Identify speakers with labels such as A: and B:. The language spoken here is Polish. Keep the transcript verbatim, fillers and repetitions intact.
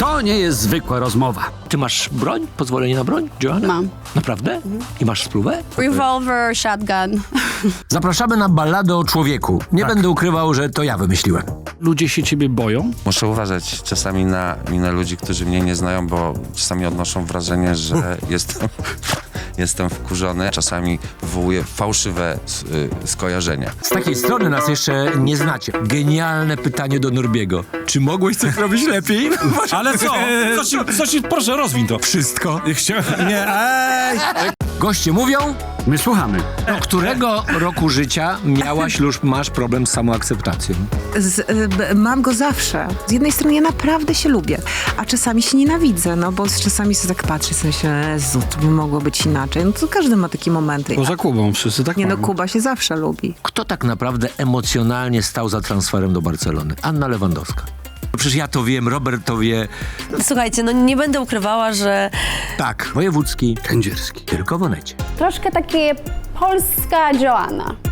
A: To nie jest zwykła rozmowa.
B: Ty masz broń? Pozwolenie na broń, Joanna?
C: Mam.
B: Naprawdę? Mhm. I masz spluwę?
C: Revolver, shotgun.
D: Zapraszamy na balladę o człowieku. Nie
B: Tak.
D: będę ukrywał, że to ja wymyśliłem.
A: Ludzie się ciebie boją?
E: Muszę uważać czasami na minę ludzi, którzy mnie nie znają, bo czasami odnoszą wrażenie, że jestem, jestem wkurzony. Czasami wywołuję fałszywe s- y, skojarzenia.
D: Z takiej strony nas jeszcze nie znacie. Genialne pytanie do Norbiego. Czy mogłeś coś robić lepiej?
F: Ale co? Co ci, co ci, proszę, rozwiń to.
D: Wszystko.
F: Chcia... Nie, ej!
D: Goście mówią,
A: My słuchamy.
D: do którego roku życia miałaś lub masz problem z samoakceptacją?
G: Z, y, b- mam go zawsze. Z jednej strony ja naprawdę się lubię, a czasami się nienawidzę, no bo czasami sobie tak patrzę, sobie myślę, Jezu, to by mogło być inaczej. No to każdy ma takie momenty.
A: Poza Kubą wszyscy tak
G: Nie no,
A: mają.
G: Kuba się zawsze lubi.
D: Kto tak naprawdę emocjonalnie stał za transferem do Barcelony? Anna Lewandowska. Przecież ja to wiem, Robert to wie.
H: Słuchajcie, no nie będę ukrywała, że
D: Tak, wojewódzki,
A: Kędzierski.
D: tylko w Onecie.
I: Troszkę takie polska Joanna.